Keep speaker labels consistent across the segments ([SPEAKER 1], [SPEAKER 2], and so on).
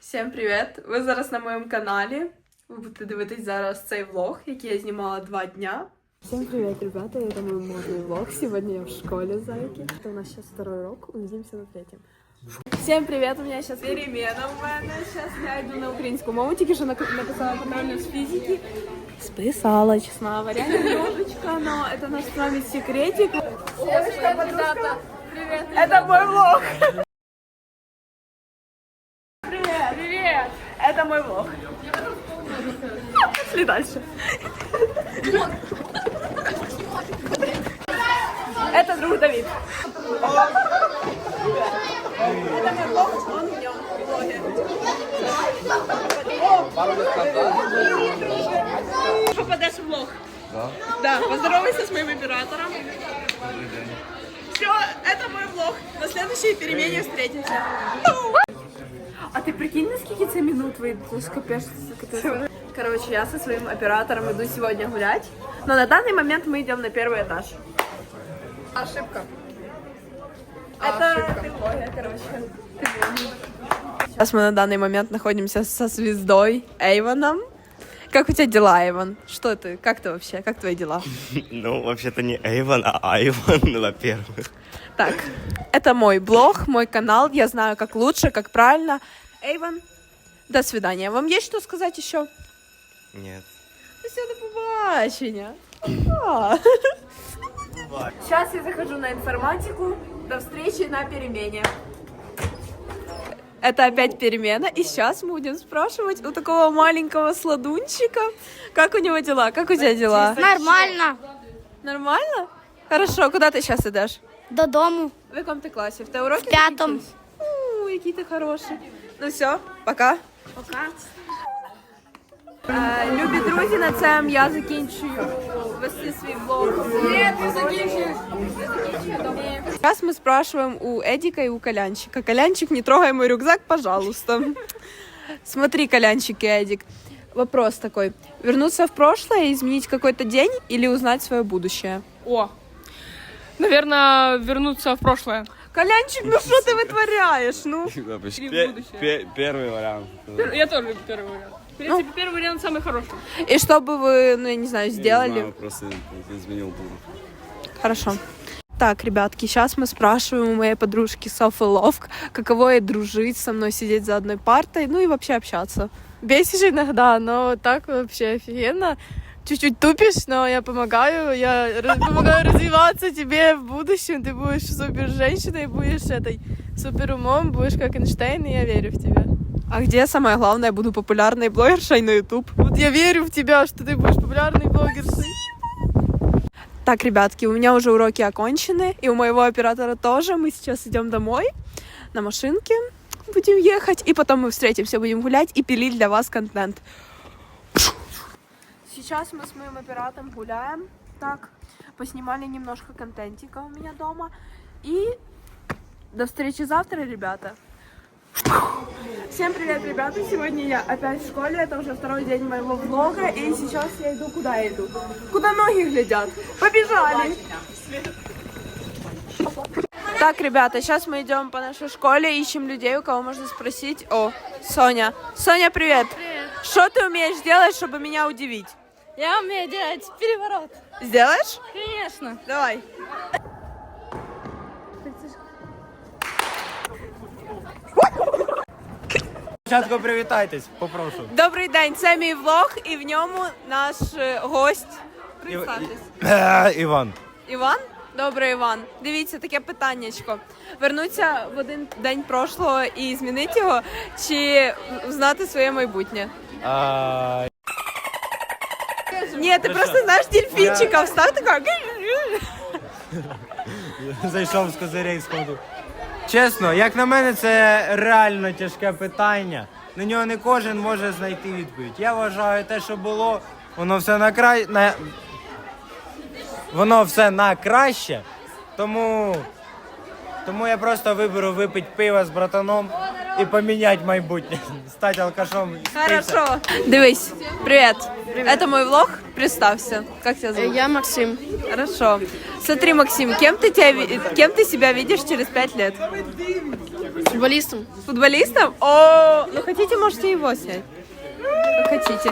[SPEAKER 1] Всім привіт! Ви зараз на моєму каналі. Ви будете дивитись зараз цей влог, який я знімала 2 дня. Всем привет, ребята! Это мой модный влог. Сегодня я в школе, зайки. Это у нас сейчас 2-й урок, увидимся на 3-м. Всем привет! У меня сейчас перемена в мене. Сейчас я иду на українську мову, тільки що написала контрольную з физики. Списала, честно говоря, немножечко, но это наш с вами секретик. Ребята, привет! Это мой влог! Привет! Привет! Это мой влог. Пошли дальше. Это друг Давид. Это мой влог, он в нем влоге. Попадешь в влог? Да. Да, поздоровайся с моим оператором. Все, это мой влог. На следующей перемене встретимся. А ты прикинь, на сколько это минут выйдет? Капец. Короче, я со своим оператором иду сегодня гулять. Но на данный момент мы идем на 1-й этаж. Ошибка. Это ты блогер, короче. Сейчас мы на данный момент находимся со звездой Эйвоном. Как у тебя дела, Эйвон? Что ты? Как ты вообще? Как твои дела?
[SPEAKER 2] Ну, вообще-то не Эйвон, а Айвон, во-первых.
[SPEAKER 1] Так, это мой блог, мой канал. Я знаю, как лучше, как правильно. Эйвон, до свидания. Вам есть что сказать еще?
[SPEAKER 2] Нет.
[SPEAKER 1] Все, до побачення. Сейчас я захожу на информатику. До встречи на перемене. Это опять перемена. И сейчас мы будем спрашивать у такого маленького сладунчика, как у него дела. Как у тебя дела?
[SPEAKER 3] Нормально.
[SPEAKER 1] Нормально? Хорошо. Куда ты сейчас идешь?
[SPEAKER 3] Додому.
[SPEAKER 1] В каком ты классе? В уроки?
[SPEAKER 3] В 5-м.
[SPEAKER 1] Какие ты хороший. Ну все, пока.
[SPEAKER 3] Пока.
[SPEAKER 1] Любі друзі, на цьому я закінчую вести свій влог. Ні, ти закінчуєш. Сейчас мы спрашиваем у Эдика и у Колянчика. Колянчик, не трогай мой рюкзак, пожалуйста. Смотри, Колянчик и Эдик. Вопрос такой. Вернуться в прошлое и изменить какой-то день или узнать свое будущее?
[SPEAKER 4] О, наверное, вернуться в прошлое.
[SPEAKER 1] Колянчик, ну что ты вытворяешь? Ну?
[SPEAKER 2] Первый вариант.
[SPEAKER 4] Я тоже люблю первый вариант. В принципе, первый вариант самый хороший.
[SPEAKER 1] И что бы вы, ну я не знаю, сделали?
[SPEAKER 2] Не знаю, просто изменил будущее.
[SPEAKER 1] Хорошо. Так, ребятки, сейчас мы спрашиваем у моей подружки Софы Ловк, каково ей дружить со мной, сидеть за одной партой, ну и вообще общаться.
[SPEAKER 5] Бесишь иногда, но так вообще офигенно. Чуть-чуть тупишь, но я помогаю развиваться тебе в будущем. Ты будешь супер женщиной, будешь этой супер умом, будешь как Эйнштейн, и я верю в тебя.
[SPEAKER 1] А где самое главное, буду популярной блогершей на YouTube?
[SPEAKER 5] Вот я верю в тебя, что ты будешь популярной блогершей.
[SPEAKER 1] Так, ребятки, у меня уже уроки окончены, и у моего оператора тоже. Мы сейчас идем домой на машинке, будем ехать, и потом мы встретимся, будем гулять и пилить для вас контент. Сейчас мы с моим оператором гуляем, так, поснимали немножко контентика у меня дома, и до встречи завтра, ребята. Всем привет, ребята! Сегодня я опять в школе, это уже 2-й день моего влога, и сейчас я иду, куда я иду? Куда ноги глядят? Побежали! Так, ребята, сейчас мы идем по нашей школе, ищем людей, у кого можно спросить. О, Соня. Соня, привет!
[SPEAKER 5] Привет!
[SPEAKER 1] Что ты умеешь делать, чтобы меня удивить?
[SPEAKER 5] Я умею делать переворот.
[SPEAKER 1] Сделаешь?
[SPEAKER 5] Конечно.
[SPEAKER 1] Давай.
[SPEAKER 2] Спочатку привітайтесь, попрошу.
[SPEAKER 1] Добрий день, це мій влог, і в ньому наш гость. Представтесь.
[SPEAKER 2] Іван.
[SPEAKER 1] Іван? Добре, Іван. Дивіться, таке питаннячко. Вернуться в один день прошлого і змінити його, чи знати своє майбутнє? Ні, ти просто знаєш дельфінчика, встав така.
[SPEAKER 6] Зайшов з козирей сходу. Чесно, як на мене, це реально тяжке питання. На нього не кожен може знайти відповідь. Я вважаю, те, що було, воно все на краще. Тому я просто виберу випити пиво з братаном і поміняти майбутнє. Стати алкашом.
[SPEAKER 1] Хорошо. Дивись, привет. Это мой влог. Представься. Как тебя зовут?
[SPEAKER 5] Я Максим.
[SPEAKER 1] Хорошо. Смотри, Максим, кем ты себя видишь через 5 лет?
[SPEAKER 5] Футболистом.
[SPEAKER 1] Футболистом? О, ну хотите, можете его снять. Как хотите.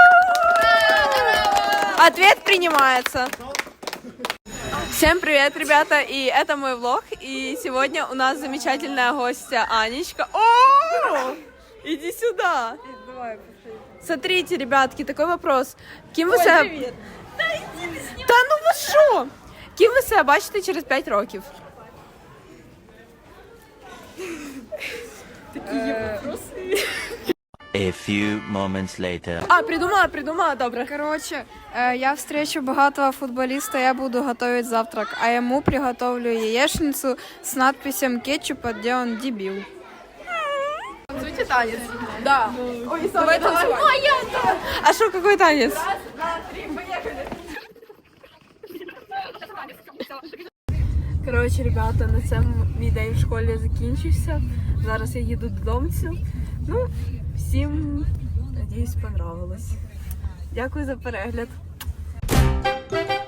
[SPEAKER 1] Ответ принимается. Всем привет, ребята, и это мой влог, и сегодня у нас замечательная гостья Анечка. О, иди сюда. Смотрите, ребятки, такой вопрос. Ким ви себе... Та ну ви що? Ким ви себе бачите через 5 років?
[SPEAKER 3] A few moments later.
[SPEAKER 1] А, придумала, добре.
[SPEAKER 7] Короче, я встречу богатого футболиста, я буду готовить завтрак, а ему приготовлю яичницу с надписью кетчупа, где он дебил.
[SPEAKER 5] Танцуйте танец.
[SPEAKER 1] Да. Ой, давай танцевать. А что, какой танец? Коротше, ребята, на цьому мій день в школі закінчився. Зараз я їду додому. Ну, всім, надіюсь, понравилось. Дякую за перегляд.